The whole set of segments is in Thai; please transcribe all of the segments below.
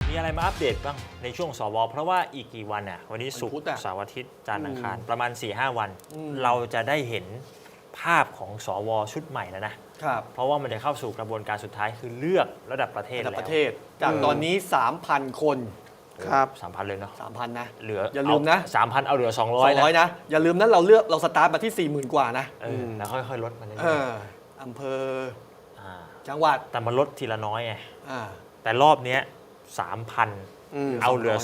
มีอะไรมาอัปเดตบ้างในช่วงสวเพราะว่าอีกกี่วันอ่ะวันนี้ศุกวันพุธร์อะเสาร์อาทิตย์จันทร์อังคารประมาณ 4-5 วันอืมเราจะได้เห็นภาพของสวชุดใหม่แล้วนะครับ เพราะว่ามันจะเข้าสู่กระบวนการสุดท้ายคือเลือกระดับประเทศระดับแล้วประเทศ จากตอนนี้ 3,000 คนครับ 3,000 เลยเนาะ 3,000 นะเหลืออย่าลืมนะ 3,000 เอาเหลือ 200 นะ 200 นะ อย่าลืมนะเราสตาร์ทมาที่ 40,000 กว่านะแล้วค่อยๆลดมันเรื่เออยออำเภอๆาจังหวัดแต่มันลดทีละน้อยไงอ่าแต่รอบเนี้ย 3,000 เอาเหลือ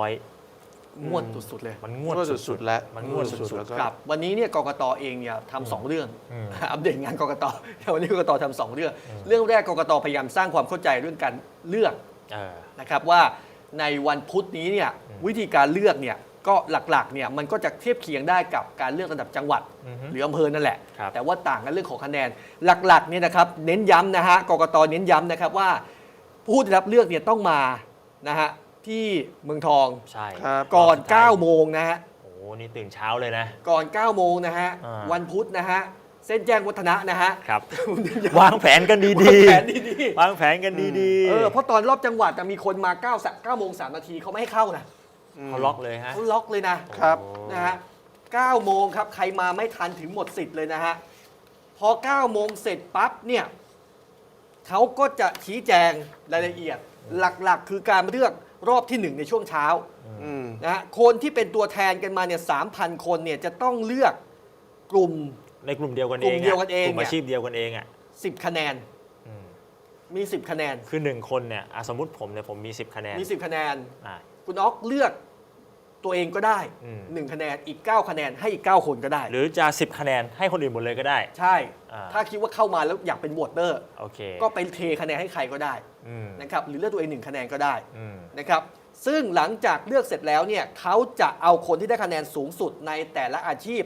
200 งวดสุดๆเลยมันงวดก็สุสุดดๆแล้วมันงวดสุดๆแล้วก็ครับวันนี้เนี่ยกกตเองเนี่ยทำสองเรื่องอืมอัปเดตงานกกตวันนี้กกตทำสองเรื่อง เรื่องแรกกกตพยายามสร้างความเข้าใจเรื่องการเลือก นะครับว่าในวันพุธนี้เนี่ยวิธีการเลือกเนี่ยก็หลักๆเนี่ยมันก็จะเทียบเคียงได้กับการเลือกระดับจังหวัดอือฮึหรืออำเภอนั่นแหละครับแต่ว่าต่างกันเรื่องของคะแนนหลักๆเนี่ยนะครับเน้นย้ำนะฮะกกตเน้นย้ำนะครับว่าผู้ได้รับเลือกเนี่ยต้องมานะฮะที่เมืองทองใช่ครับก่อนสุดท้าย 9 โมงนะฮะโอ้โหนี่ตื่นเช้าเลยนะก่อน 9 โมงนะฮะอ่าวันพุธนะฮะเส้นแจ้งวัฒนะนะฮะครับผมเน้นย้ำวางแผนกันดีวางแผนดีๆ วางแผนกันดีๆเพราะตอนรอบจังหวัดจะมีคนมา9 โมง 3 นาทีเขาไม่ให้เข้านะเขาล็อกเลยฮะเขาล็อกเลยนะครับโอ้นะฮะ 9 โมงครับ ใครมาไม่ทันถึงหมดสิทธิ์เลยนะฮะ พอ 9 โมงเสร็จปั๊บเนี่ยเขาก็จะชี้แจงรายละเอียด หลักๆ คือการเลือกรอบที่ 1 ในช่วงเช้าอืมนะฮะ คนที่เป็นตัวแทนกันมาเนี่ย 3,000 คนเนี่ยจะต้องเลือกกลุ่มในกลุ่มเดียวกันกลุ่เองมเดียวกันเองกลุ่มเนี่ยอาชีพเดียวกันเองอ่ะ 10 คะแนนอืมมี 10 คะแนนคือ1คนเนี่ยสมมติผมเนี่ยผมมี 10 คะแนนมี 10 คะแนนอ่ะคุณอ๊อกเลือกตัวเองก็ได้อืม 1 คะแนน อีก 9 คะแนนให้อีก 9 คนก็ได้หรือจะ 10 คะแนนให้คนอื่นหมดเลยก็ได้ใช่อ่าถ้าคิดว่าเข้ามาแล้วอยากเป็นโหวตเตอร์โอเคก็ไปเทคะแนนให้ใครก็ได้อืมนะครับหรือเลือกตัวเอง1 คะแนนก็ได้อืมนะครับซึ่งหลังจากเลือกเสร็จแล้วเนี่ยเขาจะเอาคนที่ได้คะแนนสูงสุดในแต่ละอาชีพ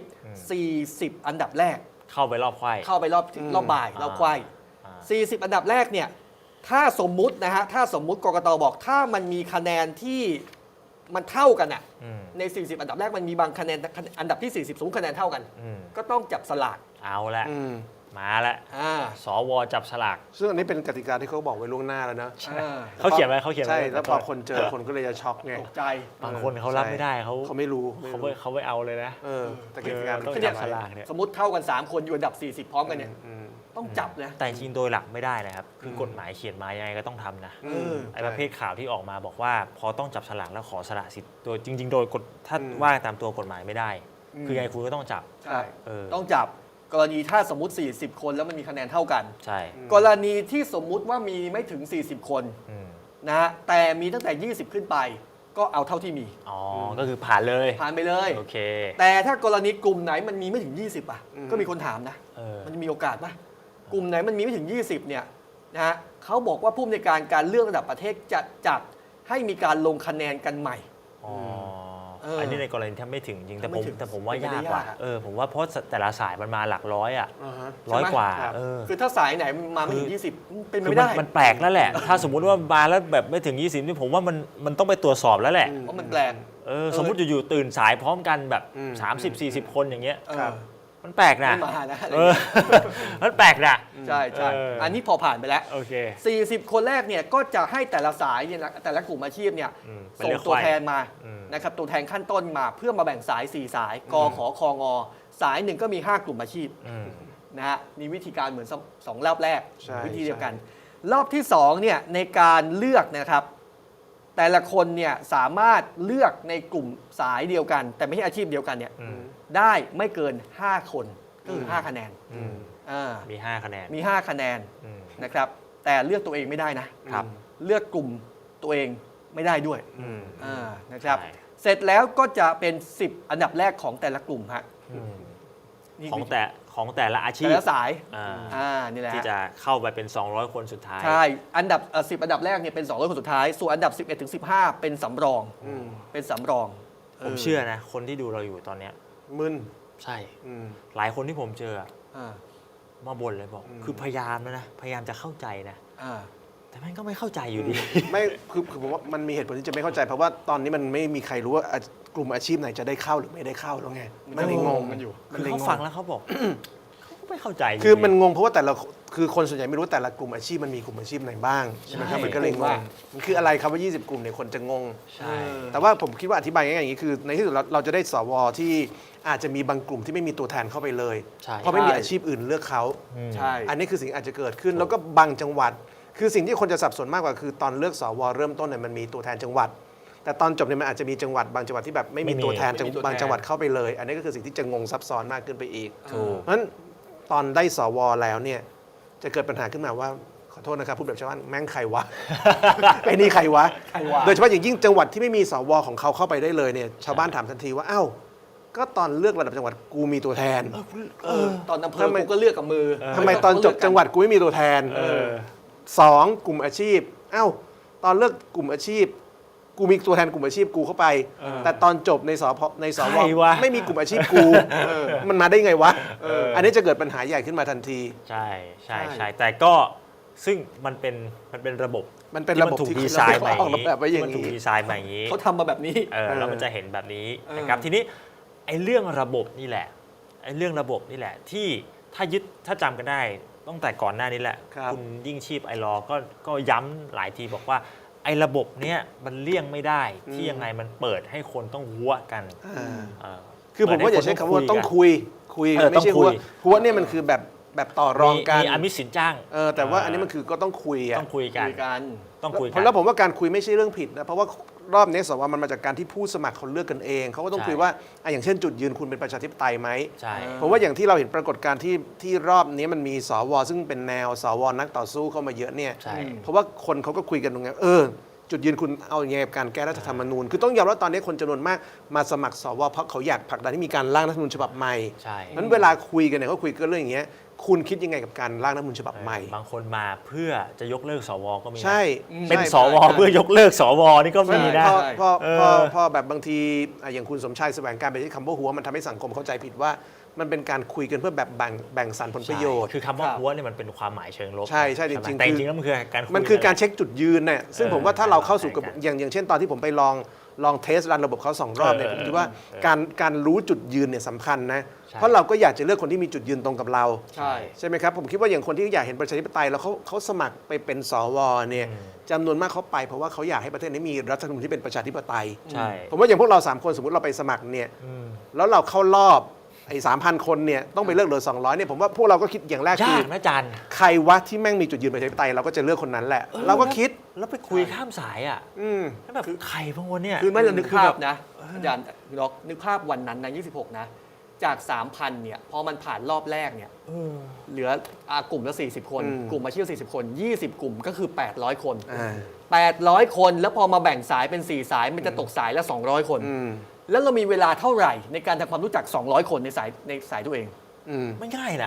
40 อันดับแรกเข้าไปรอบไขว้เข้าไปรอบบ่ายรอบควายอ่า 40 อันดับแรกเนี่ยถ้าสมมุตินะฮะถ้าสมมุติกกตบอกถ้ามันมีคะแนนที่มันเท่ากันอะอืมใน 40 อันดับแรกมันมีบางคะแนนอันดับที่ 40 สูงคะแนนเท่ากันอืมก็ต้องจับสลากเอาละอืมมาละอ่าสวจับฉลากซึ่งอันนี้เป็นกติกาที่เขาบอกไว้ล่วงหน้าแล้วนะอ่าเขาเขียนไว้เขาเขียนไว้ใช่ แล้วพอขอโทษคนเจอคนก็เลยจะช็อกไงตกใจบางคนเขารับไม่ได้เขาเขาไม่รู้เขาไม่เอาเลยนะแต่กติกามันต้องเขียนจับไว้ฉลากเนี่ยสมมติเท่ากัน 3 คนอยู่อันดับ 40 พร้อมกันเนี่ยอืมต้องจับนะแต่จริงๆโดยหลักไม่ได้นะครับ คือกฎหมายเขียนมายังไงก็ต้องทำนะเออไอ้ประเภทข่าวที่ออกมาบอกว่าพอต้องจับฉลากแล้วขอสละสิทธิ์โดยจริง ๆ โดยกฎถ้าอืมว่าตามตัวกฎหมายไม่ได้อืมคือยังไงคุณก็ต้องจับใช่เออต้องจับกรณีถ้าสมมติ 40 คนแล้วมันมีคะแนนเท่ากันใช่กรณีที่สมมุติว่ามีไม่ถึง 40 คนอืมนะฮะแต่มีตั้งแต่ 20 ขึ้นไป ก็เอาเท่าที่มีอ๋อก็คือผ่านเลยผ่านไปเลยโอเคแต่ถ้ากรณีกลุ่มไหนมันมีไม่ถึง 20 อ่ะ ก็มีคนถามนะเออมันมีโอกาสปะกลุ่มไหนมันมีไม่ถึง 20 เนี่ยนะฮะเขาบอกว่าผู้อำนวยการเลือกระดับประเทศจะจัดให้มีการลงคะแนนกันใหม่อ๋อเอออัอันนี้ในกรณีถ้าไม่ถึงจริงแต่ถ้าไม่ถึงผมว่าเป็นไปยากได้กว่ายากอะผมว่าเพราะแต่ละสายมันมาหลักร้อยอ่ะอ่าฮะร้อยใช่ไหมกว่าครับคือถ้าสายไหนมาไม่ถึง 20 เป็นไปคือไม่ได้มันแปลกแล้วแหละ ถ้าสมมุติว่ามาแล้วแบบไม่ถึง 20นี่ผมว่ามันต้องไปตรวจสอบแล้วแหละเพราะมันแปลกสมมุติอยู่ๆตื่นสายพร้อมกันแบบอืม 30-40 คนอย่างเงี้ยเออครับมันแปลกนะไม่มานะอะไรเออ มันแปลกนะใช่ใช่เอออัอันนี้พอผ่านไปแล้วโอเค 40 คนแรกเนี่ยก็จะให้แต่ละสายเนี่ยนะแต่ละกลุ่มอาชีพเนี่ยเป็นส่งเลือกตัวไขว้แทนมาอืมนะครับตัวแทนขั้นต้นมาเพื่อมาแบ่งสาย 4 สายกขอคองอสายหนึ่งก็มี 5 กลุ่มอาชีพอืมนะฮะมีวิธีการเหมือน2 รอบแรกใช่วิธีเดียวกัน รอบที่2เนี่ยในการเลือกนะครับ แต่ละคนเนี่ยสามารถเลือกในกลุ่มสายเดียวกัน แต่ไม่ใช่อาชีพเดียวกันเนี่ยอืมได้ไม่เกิน 5 คนก็คือ 5 คะแนนอืมอ่ามี 5 คะแนนมี 5 คะแนนอืมนะครับแต่เลือกตัวเองไม่ได้นะครับ เลือกกลุ่มตัวเองไม่ได้ด้วยอืมนะครับใช่เสร็จแล้วก็จะเป็น 10 อันดับแรกของแต่ละกลุ่มฮะอืมนี่ของแต่ละอาชีแต่พละสายอ่านี่แหละที่จะเข้าไปเป็น 200 คนสุดท้ายใช่อันดับ10 อันดับแรกเนี่ยเป็น200 คนสุดท้าย ส่วนอันดับ 11 ถึง 15 เป็นสำรองอืมเป็นสำรองผมเชื่อนะ คนที่ดูเราอยู่ตอนเนี้ยมึนใช่อืมหลายคนที่ผมเจออ่ามาบ่นเลยบอก คือพยายามแล้วนะ พยายามจะเข้าใจนะอ่าแต่แม่งก็ไม่เข้าใจอยู่ดีไม่คือผมว่ามันมีเหตุผลที่จะไม่เข้าใจ เพราะว่าตอนนี้มันไม่มีใครรู้ว่ากลุ่มอาชีพไหนจะได้เข้าหรือไม่ได้เข้าแล้วไง มันเลยงงมันอยู่มัคืนอเลยเขางฟังงแล้วเขาบอก เขาก็ไม่เข้าใจยู่คือดีมันงงเพราะว่าแต่ละคือคนส่วนใหญ่ไม่รู้แต่ละกลุ่มอาชีพมันมีกลุ่มอาชีพไหนบ้างใช่ไหมครับใช่มันก็เลยงว่างมันคืออะไรครับว่า 20 กลุ่มเนี่ยคนจะงงใช่แต่ว่าผมคิดว่าอธิบายง่ายๆอย่างนี้คือ ในที่สุดเราจะได้สวที่อาจจะมีบางกลุ่มที่ไม่มีตัวแทนเข้าไปเลยใช่เพราะไม่มีอาชีพอื่นเลือกเขาใช่อันนี้คือสิ่งอาจจะเกิดขึ้นแล้วก็บางจังหวัด คือสิ่งที่คนจะสับสนมากกว่าคือตอนเลือกสวเริ่มต้นเนี่ยมันมีตัวแทนจังหวัด แต่ตอนจบเนี่ยมันอาจจะมีจังหวัดบางจังหวัดที่แบบไม่มีตัวแทนบางจังหวัดเข้าไปเลย อันนี้ก็คือสิ่งที่จะงงซับซ้อนมากขึ้นไปอีกถูกเพราะฉะนั้นตอนได้สวแล้วเนี่ยจะเกิดปัญหาขึ้นมาว่าขอโทษนะครับพูดแบบชาวบ้านแม่งใครวะ ไอ้นี่ใครวะใครวะโดยเฉพาะอย่างยิ่งจังหวัดที่ไม่มีสวของเขาเข้าไปได้เลยเนี่ยชาวบ้านถามทันทีว่าอ้าวก็ตอนเลือกระดับจังหวัดกูมีตัวแทนตอนอำเภอทำไมกูก็เลือกกับมือทำไมตอนจบจังหวัดกูไม่มีตัวแทนสองกลุ่มอาชีพอ้าวตอนเลือกกลุ่มอาชีพ กูมีตัวแทนกลุ่มอาชีพกูเข้าไป แต่ตอนจบในสพในสวใครวะไม่มีกลุ่มอาชีพกูมันมาได้ไงวะอันนี้จะเกิดปัญหาใหญ่ขึ้นมาทันทีใช่ใช่ใช่ใช่แต่ก็ซึ่งมันเป็นระบบมันเป็นระบบถูกที่ดีไซน์มาอออกแบบไว้อย่างมันถูกนี้ดีไซน์มาอย่างนี้เขาทำมาแบบนี้แล้วมันจะเห็นแบบนี้เออนะครับทีนี้ไอ้เรื่องระบบนี่แหละไอ้เรื่องระบบนี่แหละที่ถ้าจำกันได้ตั้งแต่ก่อนหน้านี้แหละครับณยิ่งชีพไอรอก็ย้ำหลายทีบอกว่าไอ้ระบบเนี้ยมันเลี่ยงไม่ได้ที่ยังไงมันเปิดให้คนต้องหัวกันเออคือผมว่าอย่าใช้คำว่าต้องคุยเออไม่ใช่ต้องคุหัวย หัวเนี่ยมันคือแบบต่อรองกันมีอมิตสินจ้างแต่ว่าอันนี้มันคือก็ต้องคุยอะต้องคุยกันคุยกันต้องคุยกันแล้วผมว่าการคุยไม่ใช่เรื่องผิดนะเพราะว่ารอบนี้สวมันมาจากการที่ผู้สมัครเขาเลือกกันเองเขาก็ต้องใช่คุยว่าอย่างเช่นจุดยืนคุณเป็นประชาธิปไตยไหมใช่ผมว่าอย่างที่เราเห็นปรากฏการณ์ที่รอบนี้มันมีสวซึ่งเป็นแนวสวนักต่อสู้เข้ามาเยอะเนี่ยใช่เพราะว่าคนเขาก็คุยกันตรงนี้จุดยืนคุณเอาอย่างไงกับการแก้รัฐธรรมนูญคือต้องยอมรับตอนนี้คนจำนวนมากมาสมัครสวเพราะเขาอยากผลักดันให้มีการร่างรัฐธรรมนูญฉบับใหม่ใช่นั้นเวลาคุยกันเนี่ยเขาคุยกันเรื่องอย่างเงี้ยคุณคิดยังไงกับการร่างรัฐธรรมนูญฉบับใหม่บางคนมาเพื่อจะยกเลิกสวก็มีนะใช่เป็นใช่สวเพื่อยกเลิกสวนี่ก็มีนะพอพอเออพอพอแบบบางทีอย่างคุณสมชายแสวงการไปใช้คำว่าหัวมันทำให้สังคมเข้าใจผิดว่ามันเป็นการคุยกันเพื่อแบบแบ่งสรรผลประโยชน์คือคำว่าครับหัวเนี่ยมันเป็นความหมายเชิงลบใช่ใช่จริงๆแต่จคือริงๆแล้วมันคือการยมันคือการเช็คจุดยืนเนี่ยซึ่งผมว่าถ้าเราเข้าสู่ใช่กันอย่างเช่นตอนที่ผมไปลองเทสรันระบบเขา2 รอบเนี่ยผมคิดว่าการรู้จุดยืนเนี่ยสำคัญนะใช่เพราะเราก็อยากจะเลือกคนที่มีจุดยืนตรงกับเราใช่ใช่ไหมครับผมคิดว่าอย่างคนที่อยากเห็นประชาธิปไตยแล้วเขาสมัครไปเป็นสวเนี่ยจำนวนมากเขาไปเพราะว่าเขาอยากให้ประเทศนี้มีรัฐธรรมนูญที่เป็นประชาธิปไตยใช่ผมว่าอย่างพวกเรา3 คนสมมติเราไปสมัครเนี่ยแล้วเราเข้ารอบไอ้3,000 คนเนี่ยต้องไปเลือกเหลือ200เนี่ยผมว่าพวกเราก็คิดอย่างแรกคืยาอกนะจันใครวะที่แม่งมีจุดยืนประชาธิปไตยเราก็จะเลือกคนนั้นแหละ เราก็คิดแล้วไปคุยข้ามสายอ่ะอืมแล้วแบบใครบางวันเนี่ยคือไม่เรานึกคือภาแบพบนะอาจารย์ล็อกนึกภาพวันนั้นนะ26 นะ จาก 3,000 เนี่ย พอมันผ่านรอบแรกเนี่ย เหลือกลุ่มละ 40 คน กลุ่มอาชีพ 40 คน 20 กลุ่มก็คือ 800 คน 800 คนแล้วพอมาแบ่งสายเป็น 4 สาย มันจะตกสายละ 200 คน แล้วเรามีเวลาเท่าไหร่ในการทำความรู้จัก 200 คนในสายตัวเองไม่ง่ายนะ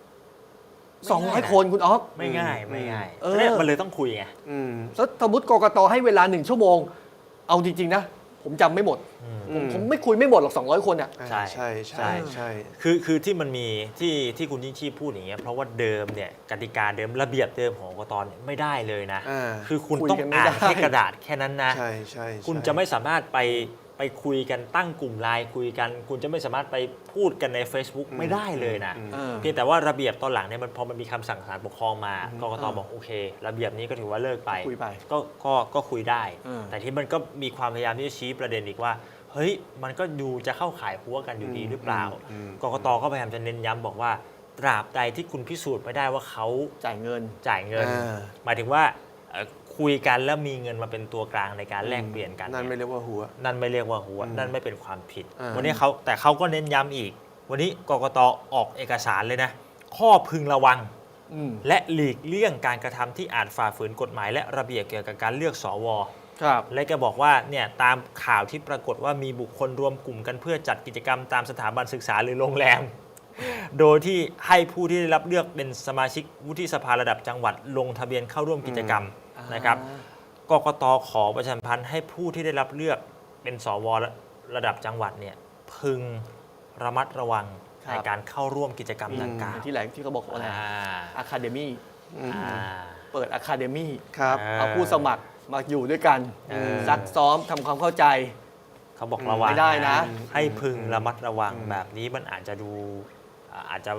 200 คนคุณอ๊อฟไม่ง่ายไม่ง่ายเออเนี่ยมันเลยต้องคุยไงแล้วสมมติกกตให้เวลา 1 ชั่วโมง เอาจริง ๆ นะ ผมจำไม่หมด ผมไม่คุยไม่หมดหรอก 200 คนอ่ะใช่ใช่ใช่ใช่คือที่มันมีที่คุณยิ่งชีพพูดอย่างเงี้ยเพราะว่าเดิมเนี่ยกติกาเดิมระเบียบเดิมของกกตเนี่ยไม่ได้เลยนะ คือคุณคุยต้องกันไม่อ่านได้แค่กระดาษแค่นั้นนะใช่ใช่คุณจะไม่สามารถไปคุยกันตั้งกลุ่มไลน์คุยกัน คุณจะไม่สามารถไปพูดกันใน Facebook ไม่ได้เลยนะ เพียงแต่ว่าระเบียบตอนหลังเนี่ยมันพอมันมีคำสั่งศาลปกครองมากกตบอกโอเค ระเบียบนี้ก็ถือว่าเลิกไปคุยไปก็คุยได้เออแต่ที่มันก็มีความพยายามที่จะชี้ประเด็นอีกว่าเฮ้ยมันก็ดูจะเข้าข่ายหัวกันอยู่ดีหรือเปล่ากกตก็พยายามจะเน้นย้ำบอกว่า ตราบใดที่คุณพิสูจน์ไม่ได้ว่าเขาจ่ายเงินจ่ายเงิน หมายถึงว่าคุยกันแล้วมีเงินมาเป็นตัวกลางในการแลกเปลี่ยนกันนั่นไม่เรียกว่าหัวนั่นไม่เรียกว่าหัวนั่นไม่เป็นความผิดอ่าวันนี้แต่เขาก็เน้นย้ำอีก วันนี้กกตออกเอกสารเลยนะ ข้อพึงระวัง และหลีกเลี่ยงการกระทำที่อาจฝ่าฝืนกฎหมาย และระเบียบเกี่ยวกับการเลือกสวครับและก็บอกว่าเนี่ยตามข่าวที่ปรากฏว่ามีบุคคลรวมกลุ่มกันเพื่อจัดกิจกรรมตามสถาบันศึกษาหรือโรงแรม โดยที่ให้ผู้ที่ได้รับเลือกเป็นสมาชิกวุฒิสภาระดับจังหวัดลงทะเบียนเข้าร่วมกิจกรรมนะครับกกตขอประชาสัมพันธ์ให้ผู้ที่ได้รับเลือกเป็นสวระดับจังหวัดเนี่ยพึงระมัดระวังครับในการเข้าร่วมกิจกรรมดังกล่าวที่แหลงที่เขาบอกว่าอะไรอ่าอะคาเดมี่อ่าเปิดอะคาเดมี่ครับเอาผู้สมัครมาอยู่ด้วยกัน ซักซ้อมทำความเข้าใจเขาบอกระวังไม่ได้นะให้พึงระมัดระวังแบบนี้มันอาจจะดูอาจจะ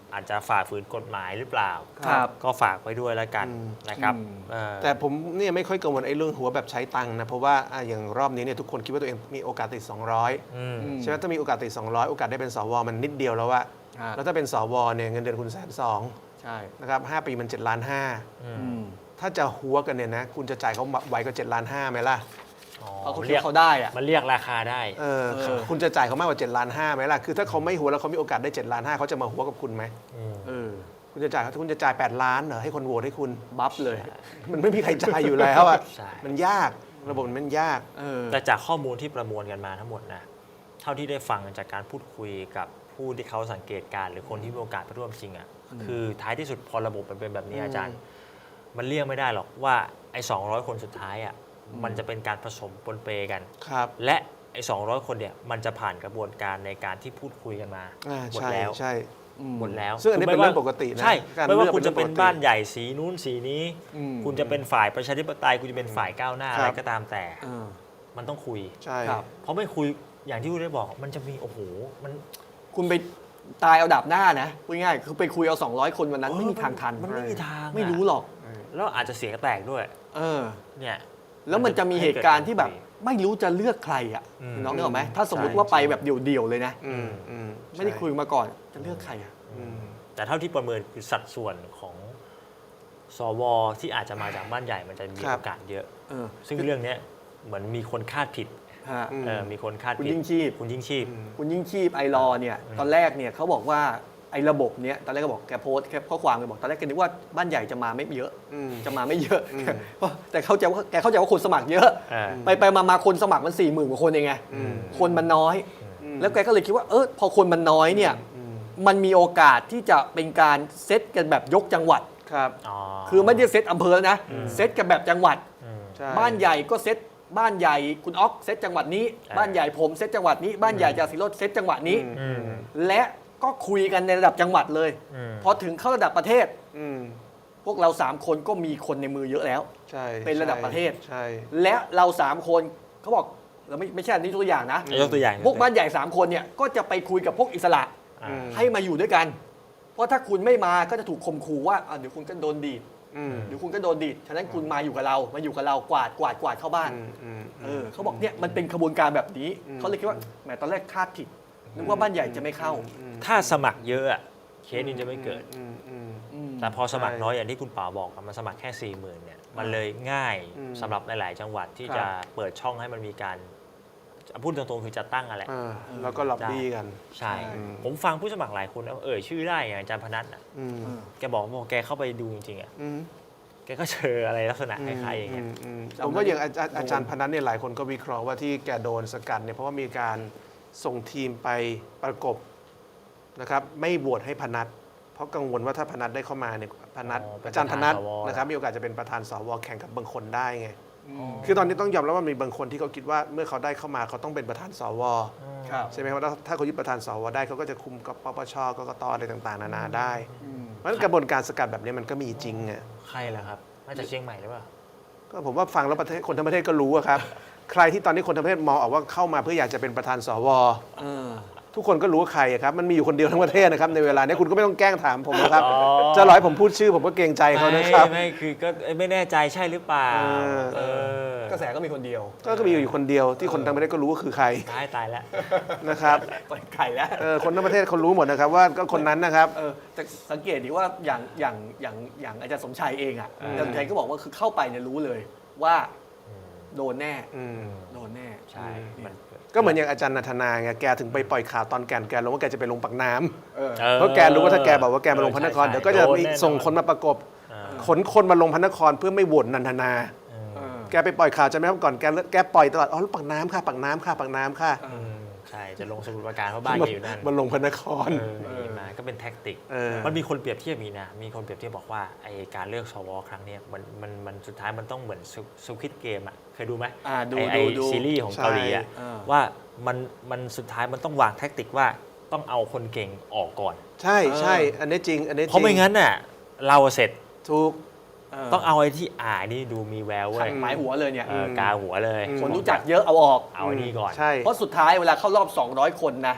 อาจจะฝ่าฝืนกฎหมายหรือเปล่าครับก็ฝากไว้ด้วยแล้วกันนะครับอืมแต่ผมเนี่ยไม่ค่อยกังวลไอ้เรื่องหัวแบบใช้ตังค์นะเพราะว่าอย่างรอบนี้เนี่ยทุกคนคิดว่าตัวเองมีโอกาสติด 200 อืมใช่ไหมถ้ามีโอกาสติด 200 โอกาสได้เป็นสวมันนิดเดียวแล้วอะครับแล้วถ้าเป็นสวเนี่ยเงินเดือนคุณ120,000 ใช่นะครับ5 ปีมัน7.5 ล้านอืมอืมถ้าจะหัวกันเนี่ยนะคุณจะจ่ายเขาไหวก็7.5 ล้านไหมล่ะอ๋อเพราะเขาคิดเรียกว่าเขาได้อะมันเรียกราคาได้เออเออคุณจะจ่ายเขามากกว่า7.5 ล้านไหมล่ะคือถ้าเขาไม่หัวแล้วเขามีโอกาสได้7.5 ล้านเขาจะมาหัวกับคุณไหมอืมเออคุณจะจ่าย8 ล้านเหรอให้คนโหวตให้คุณบัฟเลยมันไม่มีใครจ่ายอยู่แล้วอะใช่มันยากระบบมันยากเออแต่จากข้อมูลที่ประมวลกันมาทั้งหมดนะเท่าที่ได้ฟังจากการพูดคุยกับผู้ที่เขาสังเกตการณ์หรือคนที่มีโอกาสไปร่วมจริงอ่ะคือท้ายที่สุดพอระบบมันเป็นแบบนี้อาจารย์ มันเลี่ยงไม่ได้หรอกว่าไอ้200 คนสุดท้ายอ่ะมันจะเป็นการผสมปนเปกันครับและไอ้200 คนเนี่ยมันจะผ่านกระบวนการในการที่พูดคุยกันมาหมดใช่แล้วใช่หมดแล้วซึ่งอันนี้เป็นเรื่องปกตินะใช่การไม่ว่าเลือกคุณจะเป็นเป็นเรื่องปกติบ้านใหญ่สีนู้นสีนี้อืมคุณจะเป็นฝ่ายประชาธิปไตยคุณจะเป็นฝ่ายก้าวหน้าครัอะบไรก็ตามแต่เออมันต้องคุยใช่ครับเพราะไม่คุยอย่างที่คุณได้บอกมันจะมีโอ้โหมันคุณไปตายเอาดาบหน้านะพูดง่ายๆคือไปคุยเอา200 คนวันนั้นไม่มีทางทันมันไม่มีทางอะไม่รู้หรอกแล้วอาจจะเสียงแตกด้วยเออเนี่ยแล้วมันจะมีเหตุการณ์ที่แบบไม่รู้จะเลือกใครอ่ะอืมน้องนึกออกไหมถ้าสมมติใช่ว่าไปแบบเดี่ยวๆเลยนะอืมอืมไม่ได้คุยมาก่อนจะเลือกใครอ่ะอืมแต่เท่าที่ประเมินคือสัดส่วนของสวที่อาจจะมาจากบ้านใหญ่มันจะมีครับโอกาสเยอะเออซึ่งเรื่องเนี้ยเหมือนมีคนคาดผิดฮะมีคนคาดคุณผิดยิ่งชีพคุณยิ่งชีพคุณยิ่งชีพไอรอเนี่ยตอนแรกเนี่ยเขาบอกว่าไอ้ระบบเนี้ยตอนแรกก็บอกแกโพสต์แค่ข้อความแกบอกตอนแรกแกนึกว่าบ้านใหญ่จะมาไม่เยอะอืมจะมาไม่เยอะอืมแต่เข้าใจว่าแกเข้าใจว่าคนสมัครเยอะ ไปมาคนสมัครมัน40,000 กว่าคนเองไงอืมคนมันน้อยอืมแล้วแกก็เลยคิดว่าพอคนมันน้อยเนี่ยอืมมันมีโอกาสที่จะเป็นการเซตกันแบบยกจังหวัดครับคือไม่ได้เซตอำเภอแล้วนะ เซตกันแบบจังหวัดใช่บ้านใหญ่ก็เซตบ้านใหญ่คุณอ๊อกเซตจังหวัดนี้ บ้านใหญ่ผมเซตจังหวัดนี้ บ้านใหญ่จาสิโรจน์เซตจังหวัดนี้ และก็คุยกันในระดับจังหวัดเลย พอถึงเข้าระดับประเทศอืมพวกเรา3คนก็มีคนในมือเยอะแล้วใช่เป็นระดับประเทศใช่และเรา3คนเขาบอกเราไม่ใช่อันนี้ตัวอย่างนะยกตัวอย่างพวกบ้านใหญ่3คนเนี่ยก็จะไปคุยกับพวกอิสระอ่าให้มาอยู่ด้วยกัน เพราะถ้าคุณไม่มาก็จะถูกข่มขู่ว่าเดี๋ยวคุณก็โดนดีดอืมเดี๋ยวคุณก็โดนดีดฉะนั้นคุณมาอยู่กับเรามาอยู่กับเรากวาดเข้าบ้าน เขาบอกเนี่ยมันเป็นขบวนการแบบนี้เขาเลยคิดว่าแหมตอนแรกคาดผิดนึกว่าบ้านใหญ่จะไม่เข้าถ้าสมัครเยอะอะเคสนี้จะไม่เกิดอืมอืมแต่พอสมัครใช่น้อยอย่างที่คุณป๋าบอกอะมันสมัครแค่ 40,000เนี่ยมันเลยง่ายอืมสำหรับหลาย ๆ จังหวัดที่ครับจะเปิดช่องให้มันมีการพูดตรงๆคือจะตั้งอะไรแล้วก็ล็อบบี้กันใช่อืมผมฟังผู้สมัครหลายคนนะเอ่ยชื่อได้อย่างอาจารย์พนัทน่ะอืมแกบอกว่าแกเข้าไปดูจริงๆอ่ะอืมแกก็เจออะไรลักษณะคล้ายๆอย่างเงี้ยผมว่าอย่างอาจารย์พนันเนี่ยหลายคนก็วิเคราะห์ว่าที่แกโดนสกัดเนี่ยเพราะว่ามีการส่งทีมไปประกบนะครับไม่โหวตให้พนัทเพราะกังวลว่าถ้าพนัทได้เข้ามาเนี่ยพนัทเป็นอาจารย์พนัทประธานสวนะครับมีโอกาสจะเป็นประธานสวแข่งกับบางคนได้ไงคือตอนนี้ต้องยอมรับว่ามีบางคนที่เขาคิดว่าเมื่อเขาได้เข้ามาเขาต้องเป็นประธานสวครับใช่ไหมครับว่าถ้าเขายึดประธานสวได้เขาก็จะคุมกับปปชกกตอะไรต่างๆนานาได้เพราะฉะนั้นกระบวนการสกัดแบบนี้มันก็มีจริงอ่ะใครล่ะครับมาจากเชียงใหม่หรือเปล่าก็ผมว่าฟังแล้วประเทศคนทั้งประเทศก็รู้อะครับ ใครที่ตอนนี้คนทั้งประเทศมองออกว่าเข้ามาเพื่ออยากจะเป็นประธานสว ทุกคนก็รู้ว่าใครอะครับมันมีอยู่คนเดียวทั้งประเทศนะครับในเวลานี้คุณก็ไม่ต้องแกล้งถามผมนะครับอ๋อจะร้อยผมพูดชื่อผมก็เกรงใจเขานะครับไม่คือก็ไม่แน่ใจใช่หรือเปล่าเอกระแสก็มีคนเดียวก็มีอยู่คนเดียวที่คนทั้งประเทศก็รู้ว่าคือใครตายแล้วนะครับไปไข่แล้วคนทั้งประเทศเขารู้หมดนะครับว่าก็คนนั้นนะครับแต่สังเกตดีว่าอย่างอาจารย์สมชัยเองอ่ะอาจารย์สมชัยก็บอกว่าคือเข้าไปเนี่ยรู้เลยว่าโดนแน่อืมโดนแน่ใช่มันก็เหมือนอย่างอาจารย์นันทนาไงแกถึงไปปล่อยข่าวตอนแกลงว่าแกจะไปลงปากน้ำเออเพราะแกรู้ว่าถ้าแกบอกว่าแกมาลงพระนครเดี๋ยวก็จะมีส่งคนมาประกบขนคนมาลงพระนครเพื่อไม่โหวตนันทนา แกไปปล่อยข่าวจะไหมครับก่อนแกปล่อยตลอดปากน้ำค่ะปากน้ำค่ะปากน้ำค่ะใช่จะลงสมุทรปราการเพราะบ้านแกอยู่นั่นมันลงพระนครมีมาก็เป็นแท็กติกเออมันมีคนเปรียบเทียบมีนะ มีคนเปรียบเทียบบอกว่าไอการเลือกสวครั้งเนี้ยมันสุดท้ายมันต้องเหมือนซูคิดเกมอ่ะเคยดูไหมดูไอดูซีรีส์ของเกาหลีอ่ะใช่ว่ามันสุดท้ายมันต้องวางแท็กติกว่าต้องเอาคนเก่งออกก่อนใช่ใช่อันนี้จริงอันนี้จริงเพราะไม่งั้นน่ะเราเสร็จถูกต้องเอาไอ้ที่นี่ดูมีแววเว้ขัยดหมายหัวเลยเนี่ยกาหัวเลยคนรู้จักเยอะเอาออกเอาไอ้นี่ก่อนใช่เพราะสุดท้ายเวลาเข้ารอบ 200 คนนะ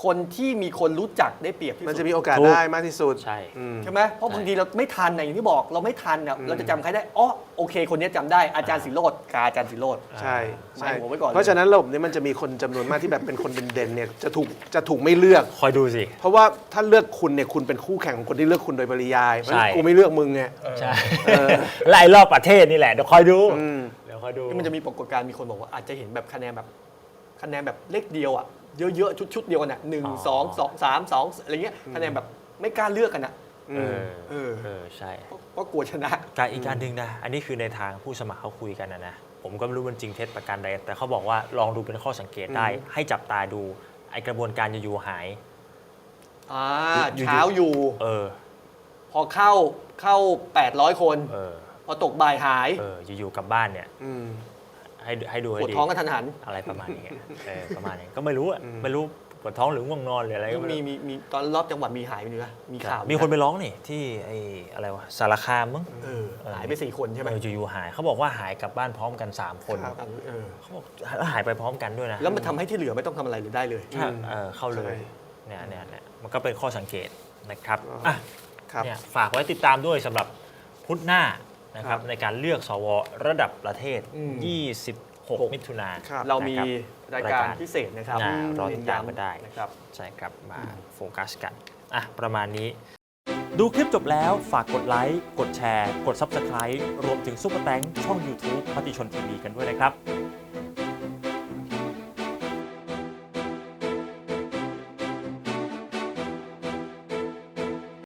คนที่มีคนรู้จักได้เปรียบที่มันสุจะดมีโอกาสถูกได้มากที่สุดใช่อืมใช่ไหมเพราะบางทีเราไม่ทันนะอย่างที่บอกเราไม่ทันเนี่ยเราจะจำใครได้อ๋อโอเค คนนี้จำได้อาจารย์สิโรจน์กับอาจารย์สิโรจน์ใช่ใช่หมายหัวไว้ก่อนเลยเพราะฉะนั้นระบบนี้มันจะมีคนจำนวนมากที่แบบเป็นคนเด่นๆเนี่ยจะถูกไม่เลือกคอยดูสิเพราะว่าถ้าเลือกคุณเนี่ยคุณเป็นคู่แข่งของคนที่เลือกคุณโดยปริยายเพราะฉะนั้นใช่กูไม่เลือกมึงไงใช่ไล่รอบประเทศนี่แหละเดี๋ยวคอยดูอืมเดี๋ยวคอยดูที่มันจะมีปรากฏการณ์มีคนบอกว่าอาจจะเห็นแบบคะแนนแบบเลขเดียวอ่ะเยอะๆชุดเดียวกันอ่ะหนึ่งอ๋อสองสองสามสองอะไรเงี้ยคะแนนแบบไม่กล้าเลือกกันอ่ะเออเออเออใช่เพราะกลัวชนะการอีกการหนึ่งนะ อันนี้คือในทางผู้สมัครเขาคุยกันนะ ผมก็ไม่รู้มันจริงเท็จประการใด แต่เขาบอกว่าลองดูเป็นข้อสังเกตได้ ให้จับตาดูไอกระบวนการอยู่ๆหายเช้าอยู่เออพอเข้า800 คนเออพอตกบ่ายหายเออ อยู่ๆกลับบ้านเนี่ยอืมให้ดูให้ปวดดีท้องกันทันหันอะไรประมาณนี้เออประมาณนี้ก็ไม่รู้อ่ะ ไม่รู้ปวดท้องหรือง่วงนอนหรืออะไรก็ไม่มีรู้มีตอนรอบจังหวัดมีหายไปด้วยมีข่าวมีคนไปร้องนี่ที่ไอ้อะไรวะสารคามมั้งหายไป4 คนใช่ไหมอยู่ๆหายเขาบอกว่าหายกลับบ้านพร้อมกัน 3 คนครับเขาบอกแล้วหายไปพร้อมกันด้วยนะแล้วมันทำให้ที่เหลือไม่ต้องทำอะไรเลยได้เลยถ้าเข้าเลยใช่เนี่ยมันก็เป็นข้อสังเกตนะครับอ่ะอ่ะครับเนี่ยฝากไว้ติดตามด้วยสำหรับพุธหน้านะครับครับในการเลือกสวระดับประเทศอืม 26 มิถุนายนครับเรามีนะครับรายการพิเศษนะครับรอติดตามกันได้นะครับใช่ครับ มาโฟกัสกันอ่ะประมาณนี้ดูคลิปจบแล้วฝากกดไลค์ กดแชร์ กด Subscribe รวมถึงซุปเปอร์แตงช่อง YouTube มติชนทีวีกันด้วยนะครับ